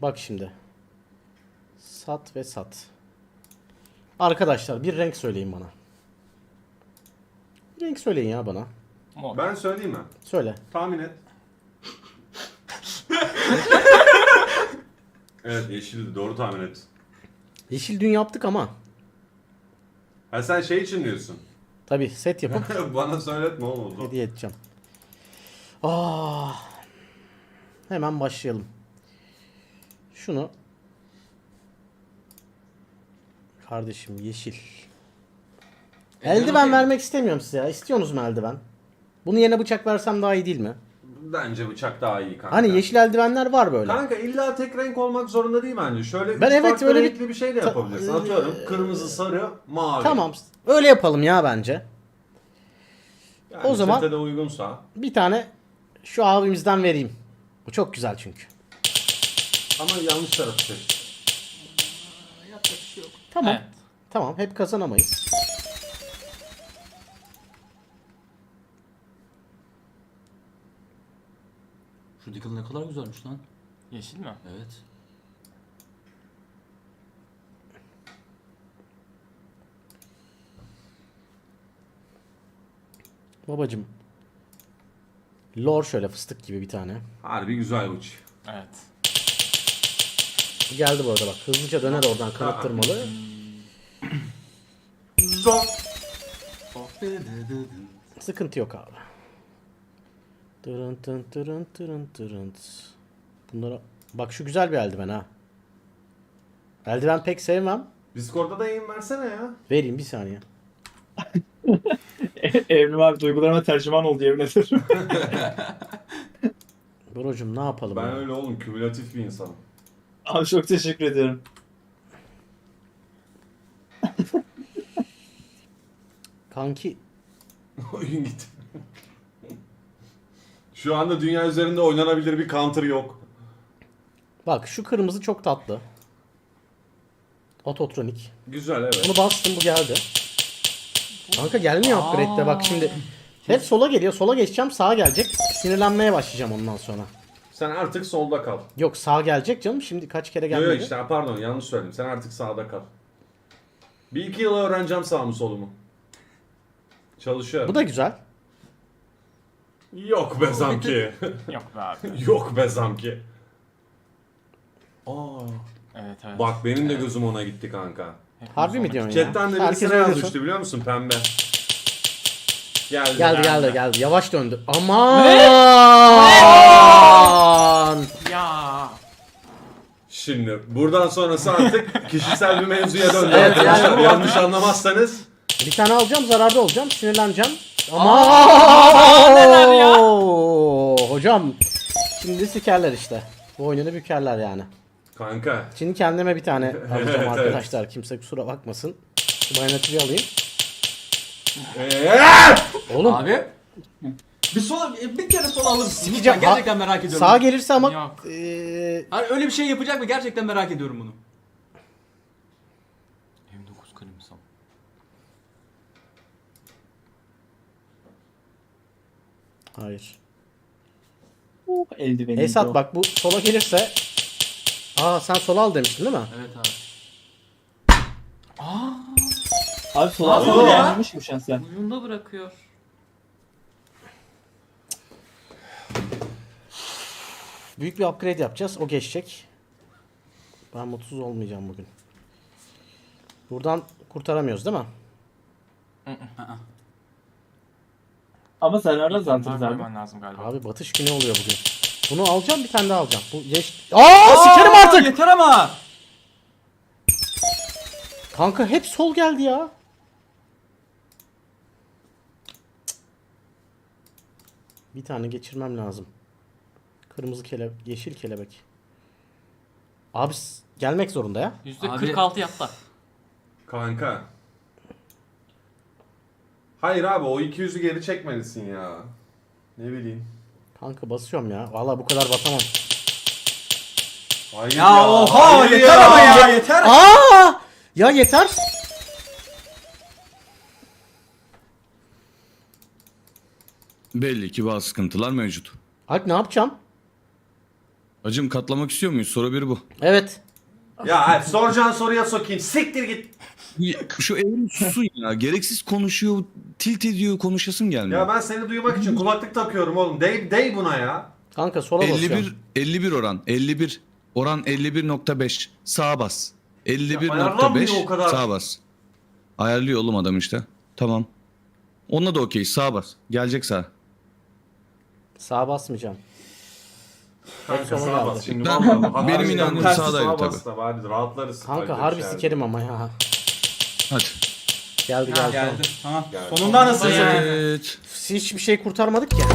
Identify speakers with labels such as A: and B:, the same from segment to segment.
A: Bak şimdi. Sat ve sat. Arkadaşlar bir renk söyleyin bana. Bir renk söyleyin ya bana.
B: Mor.
C: Ben söyleyeyim mi?
A: Söyle.
C: Tahmin et. Evet, yeşildi. Doğru tahmin et.
A: Yeşil dün yaptık ama.
C: Ha, sen şey için diyorsun.
A: Tabi set yapıp
C: Bana söyletme oğlum.
A: hediye edeceğim. Hemen başlayalım. Şunu. Kardeşim yeşil. Eldiven vermek istemiyorum size ya. İstiyorsunuz mu eldiven? Bunu yerine bıçak versem daha iyi değil mi?
C: Bence bıçak daha iyi kanka.
A: Hani yeşil eldivenler var böyle.
C: Kanka illa tek renk olmak zorunda değil bence. Şöyle
A: Ben
C: üç
A: evet,
C: farklı
A: öyle bir-
C: renkli bir şey de yapabilirsin. Atıyorum kırmızı, sarı, mavi.
A: Tamam. Öyle yapalım ya bence.
C: Yani
A: O zaman-
C: sete de uygunsa.
A: Bir tane şu abimizden vereyim. Bu çok güzel çünkü.
C: Ama yanlış tarafı seç.
B: Yapacak bir şey yok.
A: Tamam.
B: Evet.
A: Tamam. Hep kazanamayız.
D: Şu Deagle ne kadar güzelmiş lan.
B: Yeşil mi?
D: Evet.
A: Babacım. Lor şöyle fıstık gibi bir tane.
C: Harbi güzel uç.
B: Evet.
A: Geldi bu arada bak. Hızlıca döner oradan kanıttırmalı.
C: Zor.
A: Sıkıntı yok abi. Tırın tın tırın tırın tırın. Bunlara... Bak şu güzel bir eldiven ha. Eldiven pek sevmem.
C: Discord'da da yayın versene ya.
A: Vereyim bir saniye.
E: Evrim abi duygularıma tercüman oldu yemin ederim.
A: Brocum ne yapalım
C: Ben
A: ya?
C: öyle oğlum, kümülatif bir insanım.
E: Abi çok teşekkür ediyorum.
A: Kanki
C: Oyun gitti. Şu anda dünya üzerinde oynanabilir bir counter yok.
A: bak şu kırmızı çok tatlı. Ototronik.
C: Güzel, evet.
A: Bunu bastım bu geldi. Kanka gelmiyor upgrade'de bak şimdi. Hep sola geliyor. Sola geçeceğim sağa gelecek. Sinirlenmeye başlayacağım ondan sonra.
C: Sen artık solda kal.
A: Yok sağa gelecek canım. Şimdi kaç kere
C: Yok
A: gelmedi.
C: yok işte, pardon, yanlış söyledim. Sen artık sağda kal. Bir iki yıl öğreneceğim sağ mı solumu. Çalışıyorum.
A: Bu da güzel.
C: Yok be zamki.
B: Yok be abi.
C: Yok be zamki. Aa,
B: Evet evet.
C: bak benim de gözüm ona gitti kanka.
B: Hepimiz
A: Harbi mi
B: ona
A: diyorsun
B: gittik.
A: ya?
C: Chatten de
A: Herkes
C: birisine
A: öyle
C: yazmıştı
A: diyorsun.
C: biliyor musun, pembe. Geldi.
A: Geldi. Yavaş döndü. Aman!
B: Ya.
C: Şimdi buradan sonrası artık kişisel bir mevzuya döndü
A: Evet,
C: arkadaşlar.
A: yani-
C: Yanlış anlamazsanız.
A: Bir tane alacağım, zararda olacağım, sinirleneceğim.
B: neler ya?
A: Hocam, şimdi sikerler işte. Bu oyununu bükerler yani.
C: Kanka.
A: Şimdi kendime bir tane alacağım
C: Evet,
A: arkadaşlar. Kimse kusura bakmasın. Şu bayanatıyı alayım. Oğlum
D: Abi. Bir kere sola alır mısın?
A: Sikeceğim.
D: Lütfen, gerçekten merak ediyorum.
A: sağa gelirse ama
B: Yok.
D: Hani öyle bir şey yapacak mı? Gerçekten merak ediyorum bunu.
B: M9 kalemsam.
A: hayır.
E: Eldivenim.
A: Esat bak bu sola gelirse. Sen sola al demiştin değil mi?
D: Evet abi.
E: Abi sola
D: Abi
E: sola
D: ya.
E: gelmemiş mi şansen?
B: Uyunda bırakıyor.
A: Büyük bir upgrade yapacağız. O geçecek. Ben mutsuz olmayacağım bugün. Buradan kurtaramıyoruz değil mi?
E: Ama sen arada
B: Bunlar
E: zantırız abi.
B: koyman lazım galiba.
A: Abi batış günü oluyor bugün. Bunu alacağım, bir tane daha alacağım. Bu geç... Sikerim artık!
D: Yeter ama.
A: Kanka hep sol geldi ya. Bir tane geçirmem lazım. Kırmızı yeşil kelebek. Abi gelmek zorunda ya.
B: %46 yatta.
C: Kanka. Hayır abi, o 200'ü geri çekmelisin ya. Ne bileyim.
A: Kanka basıyorum ya. Vallahi bu kadar basamam.
C: Hayır
D: Ya oha
C: hayır
D: yeter ama ya yeter.
A: Ya yeter.
F: Belli ki bazı sıkıntılar mevcut.
A: Alp ne yapacağım?
F: Hacım katlamak istiyor muyuz? Soru bir bu.
A: Evet.
C: Ya hadi soracağın soruya sokayım. Siktir git.
F: Şu evrim susun ya. Gereksiz konuşuyor. Tilt ediyor. Konuşasım gelmiyor.
C: Ya ben seni duymak için kulaklık takıyorum oğlum. Dey buna ya.
A: Kanka sola basıyorum.
F: 51 oran. 51. Oran 51.5. Sağa bas.
C: ayarlanmıyor o kadar.
F: 51.5 sağa bas. Ayarlıyor oğlum adam işte. Tamam. Onunla da okey. Sağa bas. Gelecek sağa.
A: Sağa basmayacağım.
C: Kanka
A: sola
C: sağa
A: geldi.
C: bas şimdi.
F: Ben-
C: vallahi.
F: benim
C: Harbiden
F: inancım
C: tersi
F: sağdaydı
C: sağa
F: tabii.
C: bas da bari rahatlarız.
A: Kanka
C: Öyle bir
A: harbi
C: şey
A: sikerim ama ya.
F: Hadi.
A: Geldi
D: Ha,
A: geldi.
D: geldi. Tamam.
C: Geldi.
D: Sonunda anasını satayım.
F: Evet.
A: Hiçbir şey kurtarmadık ya.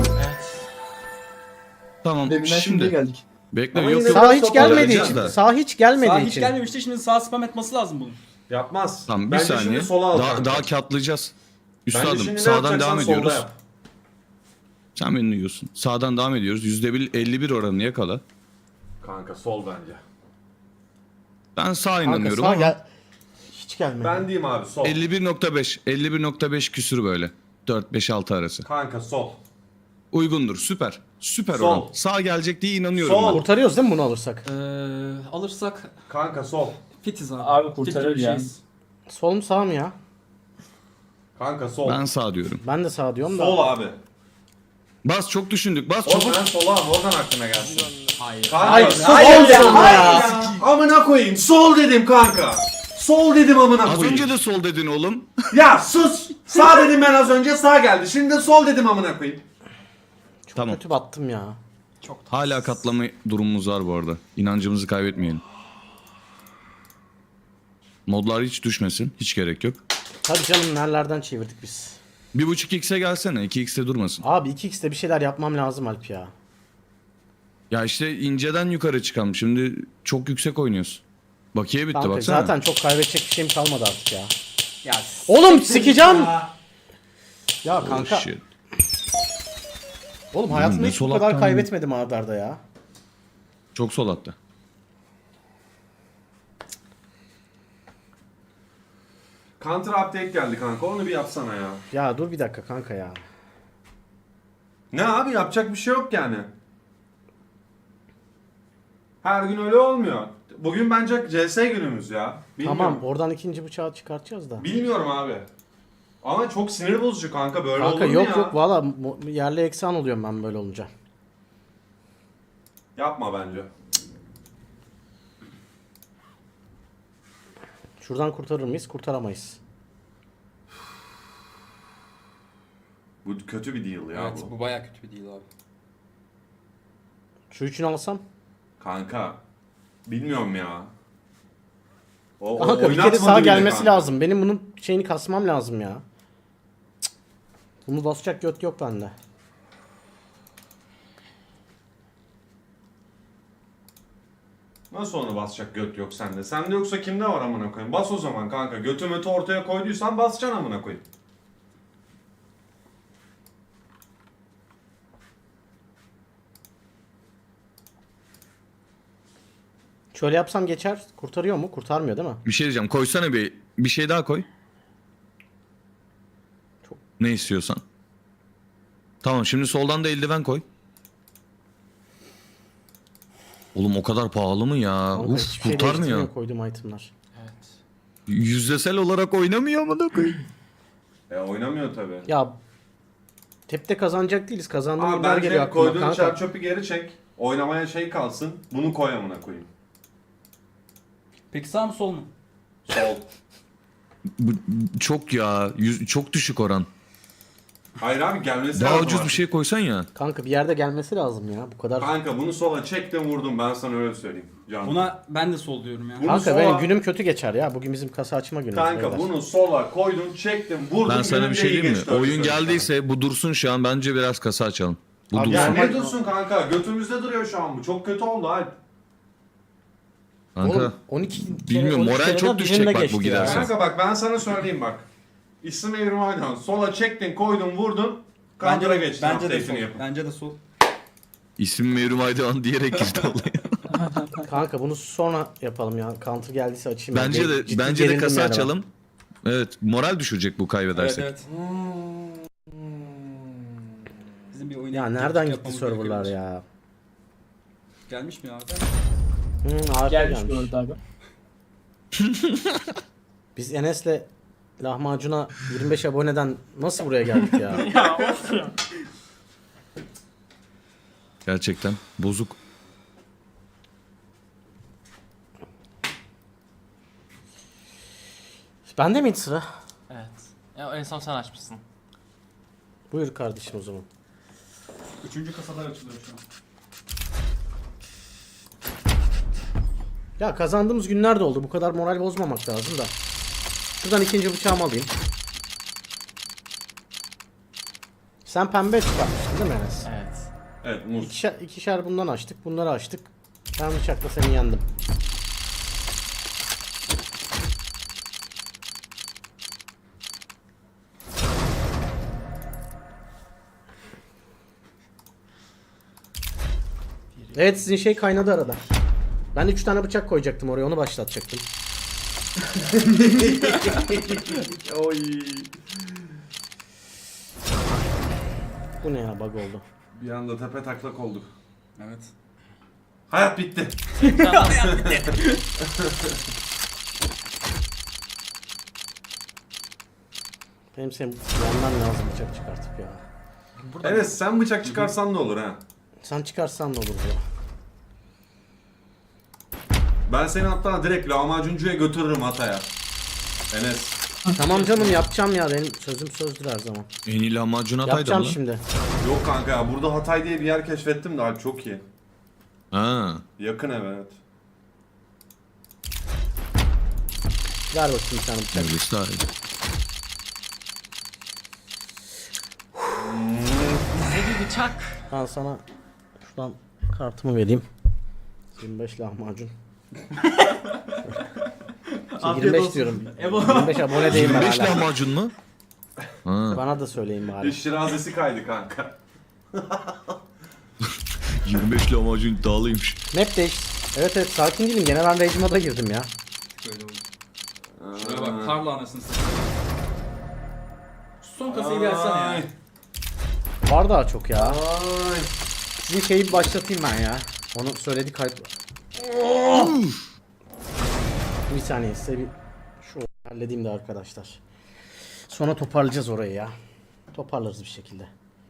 F: Tamam.
E: Deminden şimdi
F: Şimdi.
E: geldik.
F: Bekle
C: Ama
F: yok
C: yine
F: yok.
A: Sağ hiç
C: Sağ
A: gelmediği
F: geleceğiz
A: için.
F: de.
A: Sağ hiç gelmediği
D: Sağ hiç
A: için.
D: gelmemişti. Şimdi sağ spam etmesi lazım bunun.
C: Yapmaz.
F: Tamam bir
C: Bence
F: saniye.
C: şimdi sola al.
F: Daha,
C: kanka.
F: daha katlayacağız.
C: Bence
F: Üstadım
C: şimdi ne
F: sağdan
C: yapacaksan
F: devam
C: solda
F: ediyoruz.
C: yap.
F: Sen beni duyuyorsun. Sağdan devam ediyoruz. %51 oranını yakala.
C: Kanka sol bence.
F: Ben sağ
A: Kanka
F: inanıyorum
A: sağ
F: ama
A: gel. Hiç gelmedi.
C: Ben diyeyim abi sol.
F: 51.5. 51.5 küsür böyle. 4-5-6 arası.
C: Kanka sol.
F: Uygundur. Süper. Süper
C: Sol.
F: oran. Sağ gelecek diye inanıyorum
C: Sol.
F: ben.
A: Kurtarıyoruz değil mi bunu alırsak?
D: Alırsak
C: Kanka sol.
D: fitiz abi.
E: Abi
D: Fit
E: kurtarır
D: gibi
E: ya.
D: şeyiz.
A: Sol mu sağ mı ya?
C: Kanka sol.
F: Ben sağ diyorum.
A: Ben de sağ diyorum da.
C: Sol abi.
F: Bas çok düşündük. Bas
C: Oğlum
F: çabuk.
C: ben sola abi oradan aklına gelsin.
D: Hayır.
C: Kanka,
A: Hayır,
C: hayır,
A: sol dedim
C: hayır
A: ya.
C: Amına koyayım. Sol dedim kanka. Sol dedim amına
F: Az
C: koyayım.
F: önce de sol dedin oğlum.
C: Ya sus. Sağ dedim ben az önce sağ geldi. Şimdi de sol dedim amına koyayım.
A: Çok
F: Tamam.
A: kötü battım ya.
F: Hala katlama durumumuz var bu arada. İnancımızı kaybetmeyelim. Modlar hiç düşmesin. Hiç gerek yok.
A: Tabii canım nerelerden çevirdik biz.
F: 1.5x'e gelsene. 2x'te durmasın.
A: Abi 2x'te bir şeyler yapmam lazım Alp ya.
F: Ya işte inceden yukarı çıkalım. Şimdi çok yüksek oynuyorsun. Bakiye bitti
A: Kanka
F: baksana.
A: zaten çok kaybedecek bir şeyim kalmadı artık ya.
D: Ya
A: Oğlum sikeceğim. Ya
F: Oh,
A: kanka.
F: shit.
A: Oğlum hayatımda
F: ne
A: hiç bu
F: sol
A: kadar
F: attan
A: kaybetmedim arda arda ya.
F: Çok sol attı.
C: Counter update geldi kanka. Onu bir yapsana ya.
A: Ya dur bir dakika kanka ya.
C: Ne abi yapacak bir şey yok yani. Her gün öyle olmuyor. Bugün bence CS günümüz ya. Bilmiyorum.
A: Tamam oradan ikinci bıçağı çıkartacağız da.
C: Bilmiyorum abi. Ama çok sinir bozucu kanka böyle
A: Kanka
C: olur mu
A: yok
C: ya?
A: yok valla yerli eksan oluyorum ben böyle olunca.
C: Yapma bence.
A: Şuradan kurtarır mıyız? Kurtaramayız.
C: Bu kötü bir deal ya
D: Evet
C: bu.
D: bu baya kötü bir değil abi.
A: Şu üçünü alsam.
C: Kanka. Bilmiyorum ya. O
A: Kanka bir kere
C: oynatmadı
A: sağa
C: bile
A: gelmesi
C: kanka.
A: lazım. Benim bunun şeyini kasmam lazım ya. Cık. Bunu basacak göt yok bende.
C: Nasıl onu basacak göt yok sende? Sende yoksa kimde var amına koyayım? Bas o zaman kanka. Götü mötü ortaya koyduysan basacaksın amına koyayım.
A: Şöyle yapsam geçer. Kurtarıyor mu? Kurtarmıyor değil mi?
F: Bir şey diyeceğim. Koysana bir şey daha koy.
A: Çok-
F: Ne istiyorsan. Tamam şimdi soldan da eldiven koy. Oğlum o kadar pahalı mı ya?
A: Kanka
F: Uf
A: hiçbir şey
F: kurtarmıyor.
A: değiştirmiyor koyduğum itemler.
D: Evet.
F: Yüzdesel olarak oynamıyor mu da koy?
C: Oynamıyor tabi.
A: Ya tepte kazanacak değiliz. Kazandığım
C: Abi
A: günler geliyor
C: bence
A: aklıma
C: koyduğun
A: kanka.
C: çer çöpü geri çek. Oynamaya şey kalsın. Bunu koy amına koyayım.
D: Peki sağ mı sol mu?
C: Sol.
F: Bu, çok ya. Çok düşük oran.
C: Hayır abi gelmesi
F: Daha
C: lazım
F: ucuz bir
C: artık.
F: şey koysan ya.
A: Kanka bir yerde gelmesi lazım ya. Bu kadar.
C: Kanka bunu sola çektim vurdum ben sana öyle söyleyeyim. Can.
D: Buna ben de sol diyorum ya.
C: Bunu
A: Kanka
C: sola-
A: benim günüm kötü geçer ya. Bugün bizim kasa açma günümüz.
C: Kanka
A: beyler.
C: bunu sola koydum çektim vurdum.
F: Ben sana
C: günüm
F: bir
C: de
F: şey
C: iyi
F: diyeyim mi?
C: geçti, öyle
F: Oyun
C: söyleyeyim sana.
F: geldiyse bu dursun şu an. Bence biraz kasa açalım. Bu
A: Abi
F: dursun.
C: Ya
A: Normal-
C: ne dursun kanka? Götümüzde duruyor şu an bu. Çok kötü oldu Alp.
F: Kanka.
A: Oğlum 12 kere,
F: Bilmiyorum,
A: 12
F: moral
A: kereden
F: çok düşecek
A: birinde
F: bak bu
A: geçti ya.
F: giderse.
C: Kanka bak ben sana söyleyeyim bak. İsim evrim aynen. Sola çektin koydun vurdun. Counter'a geçtin.
D: Bence de
C: update'ini
D: sol.
C: yapın.
D: Bence de sol.
F: İsim Mevrim Aydoğan diyerek girdi olaya.
A: Kanka bunu sonra yapalım ya. Counter geldiyse açayım.
F: Bence
A: Ben
F: de
A: ciddi
F: bence de
A: gerildim
F: kasa
A: yani ben.
F: açalım. Evet, moral düşürecek bu
D: Evet
F: kaybedersek.
D: evet. Bizim bir oyuna
A: Ya
D: gittik,
A: nereden gitti
D: yapmamız
A: serverlar
D: gerekiyor.
A: ya?
D: Gelmiş mi abi?
A: Harika
E: Gelmiş
A: gelmiş.
E: bu arada abi.
A: Biz Enes'le lahmacuna 25 aboneden nasıl buraya geldik ya?
B: Ya of ya.
F: Gerçekten bozuk.
A: Bende miydi sıra?
B: Evet. Ya en son sen açmışsın.
A: Buyur kardeşim o zaman.
D: 3. kasalar açılıyor şu an.
A: Ya kazandığımız günler de oldu. Bu kadar moral bozmamak lazım da. Şuradan ikinci bıçağımı alayım. Sen pembe çıkartmıştın değil mi Enes?
B: Evet.
C: Evet muz.
A: İkişer bundan açtık. Bunları açtık. Ben bıçakla seni yendim. Evet sizin şey kaynadı arada. Ben 3 tane bıçak koyacaktım oraya, onu başlatacaktım.
C: Oy.
A: Bu ne ya, bug oldu.
C: Bir anda tepe taklak olduk.
D: Evet.
C: Hayat bitti.
A: Benim senin yandan lazım bıçak çıkartıp ya.
C: Enes sen bıçak çıkarsan da olur ha.
A: Sen çıkarsan da olur ya.
C: Ben seni hatta direkt lahmacuncuya götürürüm Hatay'a. Enes.
A: Tamam canım, yapacağım ya, benim sözüm sözdür her zaman.
F: En iyi lahmacun Hatay'da
A: Yapacağım
F: mı lan?
A: şimdi.
C: Yok kanka ya, burada Hatay diye bir yer keşfettim de abi çok iyi.
F: Ha.
C: Yakın ev, evet.
A: Ver bakayım bir tane bıçak.
F: Öylesi daha iyi.
B: Bize bir bıçak.
A: Ben sana şuradan kartımı vereyim. 25 lahmacun.
D: Afiyet
A: 25
D: olsun.
A: diyorum.
D: Ebo.
A: 25 abone değilim ben
F: 25
A: hala.
F: lahmacun mu? Ha.
A: Bana da söyleyin bari.
C: Şirazesi kaydı kanka.
F: 25 lahmacun iddialıymış.
A: Map değiş. Evet evet, sakin değilim. Gene ben Rage moda girdim ya.
D: Şöyle oldu. Şuraya bak, karla anasını satayım. Şu son kasayı bir açsana ya.
A: Var daha çok ya.
C: Ay.
A: Sizin şeyi bir başlatayım ben ya. Onu söyledi kayıt. Bir saniye size bir şu halledeyim de arkadaşlar. Sonra toparlayacağız orayı ya. Toparlarız bir şekilde.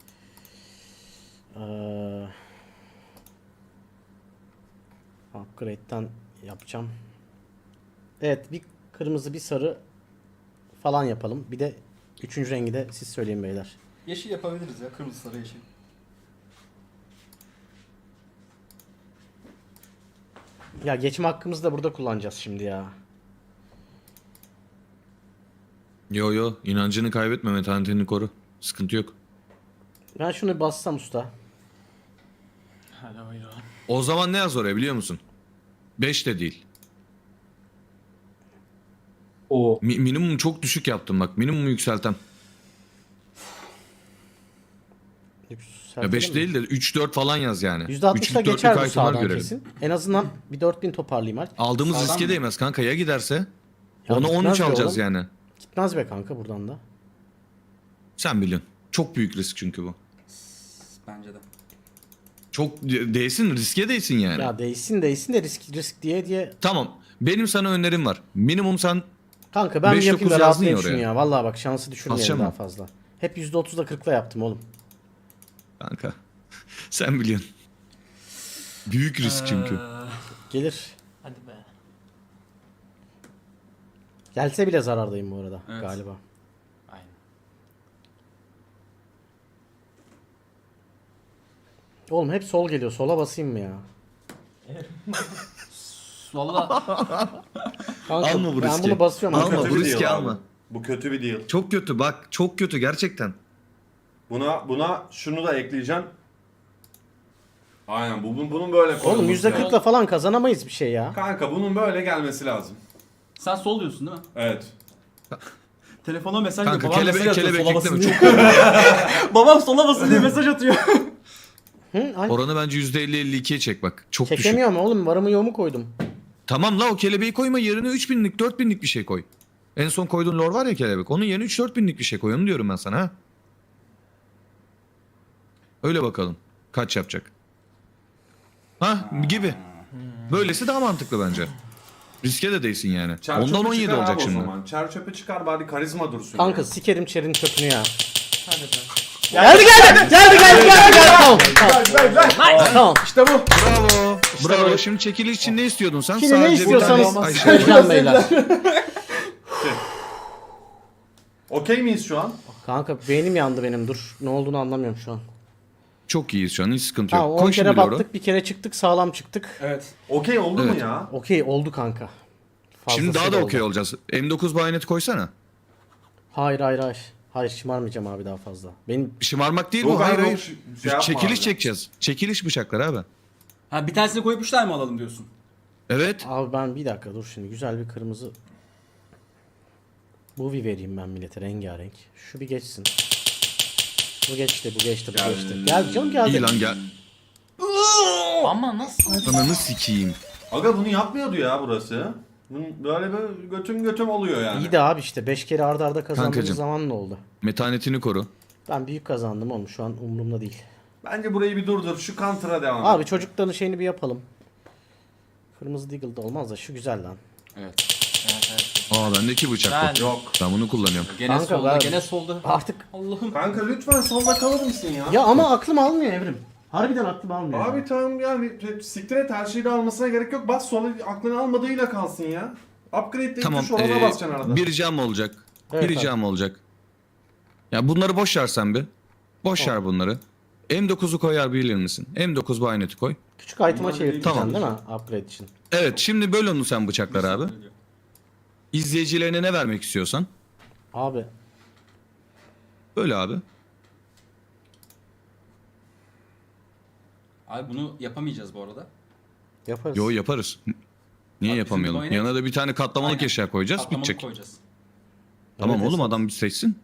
A: Upgrade'den yapacağım. Evet, bir kırmızı bir sarı falan yapalım. Bir de üçüncü rengi de siz söyleyin beyler.
D: Yeşil yapabiliriz ya, kırmızı sarı yeşil.
A: Ya geçme hakkımızı da burada kullanacağız şimdi ya.
F: Yo yo, inancını kaybetme, metanetini koru. Sıkıntı yok.
A: Ben şunu bir bassam usta.
B: Hadi buyurun.
F: O zaman ne yaz oraya biliyor musun? 5 de değil.
E: Oo.
F: Minimum çok düşük yaptım bak. Minimumu yükseltem. Ya 5 değil de 3-4 falan yaz yani.
A: %60'da
F: Üçlük,
A: geçer
F: dörtlük
A: bu
F: itemler
A: sağdan
F: görelim.
A: kesin. En azından bir 4000 toparlayayım artık.
F: Aldığımız
D: Sağdan
F: riske
D: mı?
F: değmez kanka, ya giderse?
A: Ya
F: Onu
A: gitmez
F: 13
A: be
F: alacağız
A: oğlum.
F: yani.
A: Gitmez be kanka buradan da.
F: Sen biliyorsun. Çok büyük risk çünkü bu.
D: Bence de.
F: Çok değsin, riske değsin yani.
A: Ya değsin de risk diye.
F: Tamam. Benim sana önerim var. Minimum sen
A: Kanka ben bir
F: 5-9
A: yapayım da
F: yazdın
A: rahatlayayım
F: ya
A: şunu
F: oraya.
A: ya. Vallahi bak, şansı düşürmeyelim
F: Basacağım
A: daha
F: mı?
A: fazla. Hep %30'da 40'la yaptım oğlum.
F: kanka. Sen biliyorsun. Büyük risk çünkü.
A: Gelir.
B: Hadi be.
A: Gelse bile zarardayım bu arada
D: Evet.
A: galiba.
B: Aynen.
A: Oğlum hep sol geliyor. Sola basayım mı ya?
B: Valla
A: Kanka,
F: Alma bu
A: ben
F: riski.
A: bunu basıyorum.
F: Alma,
A: arkadaşlar.
F: bu
C: bir
F: riski
C: deal
F: alma.
C: abi. Bu kötü bir deal.
F: Çok kötü bak. Çok kötü gerçekten.
C: Buna şunu da ekleyeceğim. Aynen bunun böyle
A: Oğlum
C: koyulması lazım.
A: %40'la falan kazanamayız bir şey ya.
C: Kanka bunun böyle gelmesi lazım.
D: Sen sol diyorsun değil mi?
C: Evet.
D: Telefona mesaj
F: Kanka
D: babam mesaj atıyor
F: kelebek
D: sola basın
F: ekleme.
D: diye.
F: Çok
D: Babam sola basın diye mesaj atıyor.
A: Hı? Ay,
F: oranı bence %50-52'ye çek bak. Çok düşük.
A: çekemiyorum oğlum. Varımı yoğumu koydum.
F: Tamam la, o kelebeği koyma, yerine 3000'lik 4000'lik bir şey koy. En son koyduğun lore var ya kelebek. Onun yerine 3-4 binlik bir şey koy. Onu diyorum ben sana ha. Öyle bakalım. Kaç yapacak? Ha gibi. Böylesi daha mantıklı bence. Riske de değilsin yani.
C: Çer
F: Ondan
C: çöpü
F: 17
C: çıkar
F: olacak
C: abi o
F: şimdi.
C: zaman. Çer çöpü çıkar bari karizma dursun.
A: Kanka
C: ya.
A: sikerim çerin çöpünü ya.
B: Hadi be.
A: Geldi. Tamam. Tamam.
C: İşte bu.
F: Bravo.
A: İşte
F: Bravo.
A: böyle.
F: Şimdi çekiliş için ne istiyordun sen?
A: Şimdi ne
F: Sadece bir
A: istiyorsanız
F: tane- Ay,
A: söyleyeceğim beyler.
C: Okey miyiz şu an?
A: Kanka beynim yandı benim, dur. Ne olduğunu anlamıyorum şu an.
F: Çok iyiyiz şu an. Hiç sıkıntı yok.
A: Tamam, 10
F: Koy
A: kere
F: şimdi Loro.
A: battık, bir kere çıktık, sağlam çıktık.
D: Evet.
C: Okey oldu mu
F: Evet.
C: ya?
A: Okey oldu kanka.
F: Şimdi daha
A: Fazlası
F: da okey
A: oldu.
F: olacağız. M9 bayoneti koysana.
A: Hayır. Hayır, şımarmayacağım abi daha fazla. Benim
F: Şımarmak değil
C: Yok
F: bu. Hayır
C: abi,
F: hayır.
C: yok, şey yapma
F: Çekiliş
C: abi.
F: çekeceğiz. Çekiliş bıçaklar abi.
D: Ha bir tanesini koyup 3 tane mi alalım diyorsun?
F: Evet.
A: abi ben bir dakika dur şimdi, güzel bir kırmızı Movie vereyim ben millete, rengarenk. Şu bir geçsin. Bu geçti. Gel canım, geldi.
F: İyi lan gel.
B: Ama nasıl?
F: Ananı sikeyim.
C: Aga bunu yapmıyordu ya burası. Böyle götüm oluyor yani.
A: İyi de abi işte 5 kere arda arda kazandığımız
F: Kankacım.
A: zaman ne oldu?
F: Metanetini koru.
A: Ben büyük kazandım oğlum, şu an umurumda değil.
C: Bence burayı bir durdur. Şu counter'a devam
A: Abi
C: et.
A: çocukların şeyini bir yapalım. Kırmızı Deagle da olmaz da şu güzel lan.
D: Evet.
B: Evet.
F: Aa bendeki bıçak
B: Ben-
F: bu.
C: Yok.
F: Ben bunu kullanıyorum.
D: Gene
A: Kanka
D: solda,
A: ben-
D: gene solda.
A: Artık
D: Allah'ım.
C: Kanka lütfen solda kalır mısın ya?
A: ya ama aklım almıyor Evrim. Harbiden aklım almıyor.
C: Abi tamam yani siktir et, her şeyi de almasına gerek yok. Bas sola, aklını almadığıyla kalsın ya. Upgrade deyip
F: Tamam.
C: tuş olana basacaksın arada.
F: Bir ricam olacak.
A: Evet,
F: bir ricam olacak. Ya bunları boş ver sen bir. Boş ver bunları. M9'u koyar bilir misin? M9 bayoneti koy.
A: Küçük item'a
C: Bunlar
A: çevirteceksin
F: Tamam.
A: değil mi? Upgrade için.
F: Evet şimdi böl onu sen bıçaklar abi. İzleyicilerine ne vermek istiyorsan.
A: Abi
F: Böyle abi.
D: Abi bunu yapamayacağız bu arada.
A: yaparız.
F: Yo yaparız. Niye
D: Abi bizim
F: yapamayalım?
D: bayonet-
F: Yanına da bir tane katlamalık
D: Aynen.
F: eşya koyacağız.
D: Katlamalık
F: Bitecek.
D: koyacağız.
F: Tamam
A: Evet,
F: oğlum
A: esas.
F: adam bir seçsin.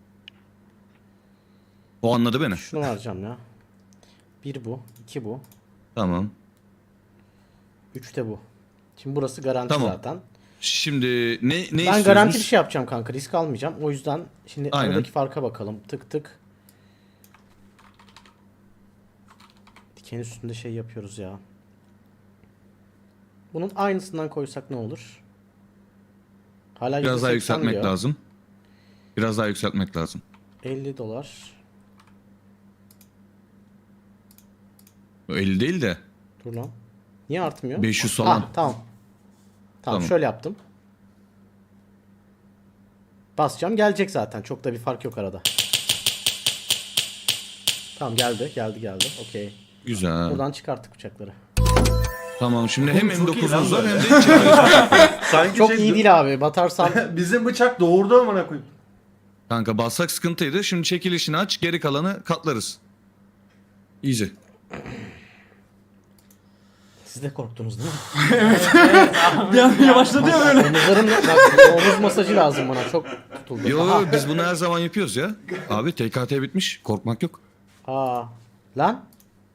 F: O anladı beni.
A: Şunu vereceğim ya. Bir bu, iki bu,
F: Tamam.
A: üç de bu. Şimdi burası garanti
F: Tamam.
A: zaten.
F: Şimdi ne
A: Ben
F: istiyoruz?
A: garanti bir şey yapacağım kanka, risk almayacağım. O yüzden şimdi
F: Aynen.
A: aradaki farka bakalım. Tık tık. Diken üstünde şey yapıyoruz ya. Bunun aynısından koysak ne olur? Hala
F: Biraz daha
A: %80
F: yükseltmek
A: diyor.
F: lazım. Biraz daha yükseltmek lazım.
A: $50.
F: O 50 değil de
A: Dur lan. Niye artmıyor?
F: 500 falan.
A: Ha, tamam. Tamam,
F: Tamam.
A: şöyle yaptım. Basacağım, gelecek zaten. Çok da bir fark yok arada. Tamam, geldi. Okey.
F: Güzel.
A: Buradan çıkarttık bıçakları.
F: Tamam şimdi hem
C: Oğlum, çok iyi lan
F: M9'umuz var
C: böyle.
F: hem de içeriyoruz.
C: Sanki
A: Çok iyi değil abi. Batarsam
C: Bizim bıçak doğurdu amına koyayım.
F: Kanka bassak sıkıntıydı. Şimdi çekilişini aç, geri kalanı katlarız. Easy.
A: siz de korktunuz değil mi?
D: Bir an yavaşladı ya böyle.
A: Omuzlarım, bak, omuz masajı lazım bana. Çok tutuldu.
F: Yo
A: Aha.
F: biz bunu her zaman yapıyoruz ya. Abi TKT bitmiş. Korkmak yok.
A: Aa. Lan.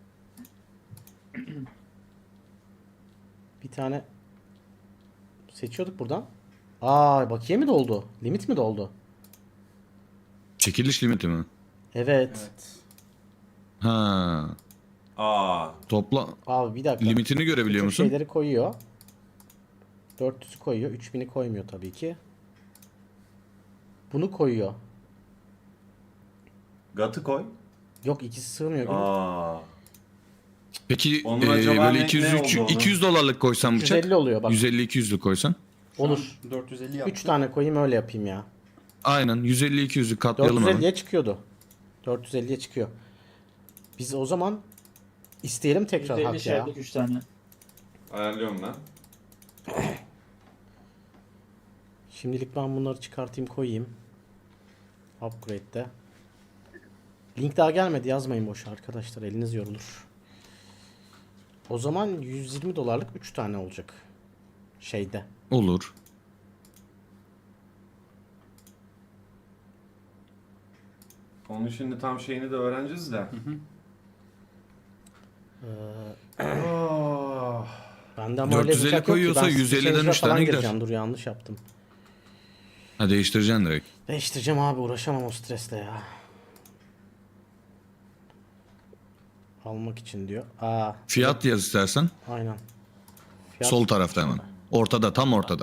A: Bir tane seçiyorduk buradan. Aa, bakiye mi doldu? Limit mi doldu?
F: Çekiliş limiti mi?
A: Evet.
D: Evet.
F: Ha.
C: Aa.
F: Topla
A: Abi bir dakika.
F: limitini görebiliyor
A: Bütün
F: musun?
A: şeyleri koyuyor. 400'ü koyuyor. 3000'i koymuyor tabii ki. Bunu koyuyor.
C: Gatı koy.
A: Yok, ikisi sığmıyor.
C: Aa.
F: Peki
C: Onun acaba
F: böyle
C: ne
F: 200
C: oldu onun?
F: 200 dolarlık koysan bıçak
A: 150 oluyor bak.
F: 150-200'lük koysan.
A: Olur.
D: 450 yaptım.
A: 3 tane koyayım, öyle yapayım ya.
F: Aynen 150-200'lük katlayalım hemen.
A: 450'ye çıkıyordu. 450'ye çıkıyor. Biz o zaman isteyelim tekrar
E: %50
A: hak ya.
E: şerlik 3 tane.
C: Ayarlıyorum ben.
A: Şimdilik ben bunları çıkartayım, koyayım. Upgrade'de. Link daha gelmedi, yazmayın boş arkadaşlar, eliniz yorulur. O zaman 120 dolarlık 3 tane olacak. Şeyde.
F: Olur.
C: Onun şimdi tam şeyini de öğreneceğiz de. Oh.
A: Ben de ama öyle
F: 450
A: bıçak yok ki.
F: koyuyorsa
A: Ben
F: 150'den
A: Stitcher'e
F: üç tane
A: falan
F: gider.
A: gireceğim. Dur, yanlış yaptım.
F: Ha değiştireceksin direkt.
A: Değiştireceğim abi, uğraşamam o stresle ya. almak için diyor.
F: Fiyat yaz istersen.
A: Aynen. Fiyat,
F: Sol tarafta hemen. Ortada, tam ortada.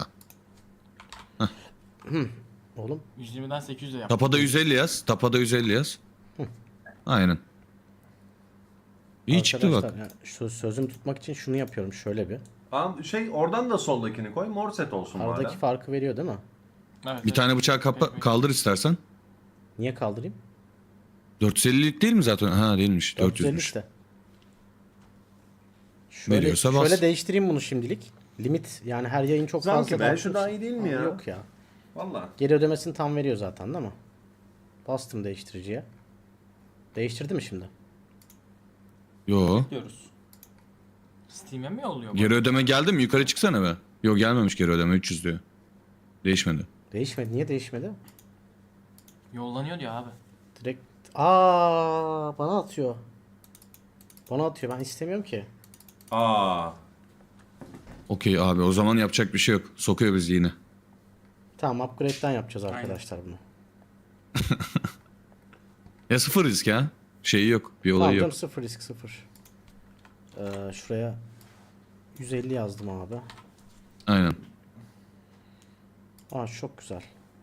A: oğlum
B: 120'den 800'e yap.
F: Tapada 150 yaz. Tapada 150 yaz. Aynen. İyi çıktı bak.
A: arkadaşlar, yani sözümü tutmak için şunu yapıyorum şöyle bir.
C: Tamam oradan da soldakini koy. Mor set olsun
A: Aradaki
C: bari.
A: farkı veriyor değil mi?
B: Evet,
F: Bir tane bıçağı kaldır istersen.
A: Niye kaldırayım?
F: 450'lik değil mi zaten? Ha değilmiş.
A: 450
F: 400'müş.
A: işte. Şöyle,
F: Veriyorsa bas.
A: şöyle değiştireyim bunu şimdilik. Limit yani her yayın çok
C: Zanki
A: fazla.
C: be,
A: dağıtmış.
C: şu daha iyi değil mi ya?
A: Yok ya.
C: Valla.
A: Geri ödemesini tam veriyor zaten değil mi? Bastım değiştiriciye. Değiştirdi mi şimdi?
F: Yo.
B: Diyoruz. Steam'e mi yolluyor bu?
F: Geri ödeme geldi mi? Yukarı çıksana be. Yok gelmemiş geri ödeme 300 diyor. Değişmedi.
A: Değişmedi. Niye değişmedi?
B: Yollanıyor diyor abi.
A: Direkt bana atıyor. Bana atıyor. Ben istemiyorum ki.
F: Okey abi o zaman yapacak bir şey yok. Sokuyor bizi yine.
A: Tamam upgrade'den yapacağız arkadaşlar bunu.
F: Ya sıfır risk ya. Şeyi yok. Bir
A: Tamam
F: olayı
A: canım,
F: yok.
A: sıfır risk sıfır. Şuraya 150 yazdım abi.
F: Aynen.
A: Çok güzel.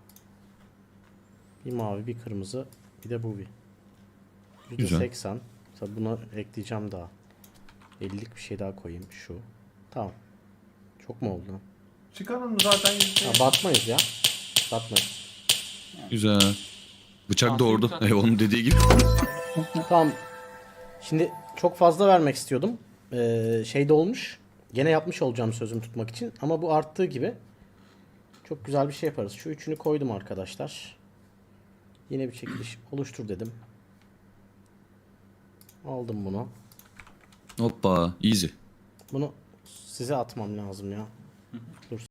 A: Bir mavi, bir kırmızı, bir de bu bir.
F: Güzel.
A: %80. Tabii buna ekleyeceğim daha. 50'lik bir şey daha koyayım şu. Tamam. Çok mu oldu?
C: Çıkarın zaten
A: Batmayız ya. Batmayız.
F: Güzel. Bıçak
B: Afiyet
F: doğurdu.
B: olsun.
F: Onun dediği gibi.
A: Tamam. Şimdi çok fazla vermek istiyordum. Şey de olmuş. Gene yapmış olacağım sözümü tutmak için. Ama bu arttığı gibi çok güzel bir şey yaparız. Şu üçünü koydum arkadaşlar. Yine bir çekiliş oluştur dedim. Aldım bunu.
F: Hoppa. Easy.
A: Bunu size atmam lazım ya. Dur